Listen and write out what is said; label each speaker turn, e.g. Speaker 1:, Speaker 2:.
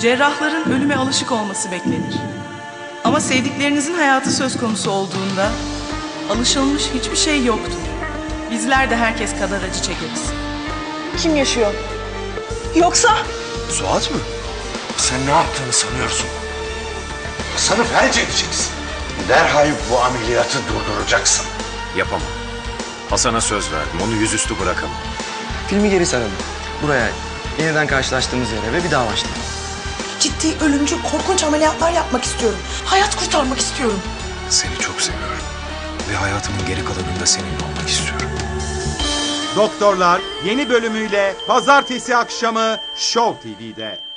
Speaker 1: Cerrahların ölüme alışık olması beklenir. Ama sevdiklerinizin hayatı söz konusu olduğunda alışılmış hiçbir şey yoktur. Bizler de herkes kadar acı çekeriz.
Speaker 2: Kim yaşıyor? Yoksa?
Speaker 3: Suat mı? Sen ne yaptığını sanıyorsun? Hasan'ı felç edeceksin. Derhal bu ameliyatı durduracaksın.
Speaker 4: Yapamam. Hasan'a söz verdim. Onu yüzüstü bırakamam.
Speaker 5: Filmi geri saralım. Buraya, yeniden karşılaştığımız yere ve bir daha başlayalım.
Speaker 2: Ciddi, ölümcül, korkunç ameliyatlar yapmak istiyorum. Hayat kurtarmak istiyorum.
Speaker 4: Seni çok seviyorum. Ve hayatımın geri kalanında seninle olmak istiyorum.
Speaker 6: Doktorlar yeni bölümüyle pazartesi akşamı Show TV'de.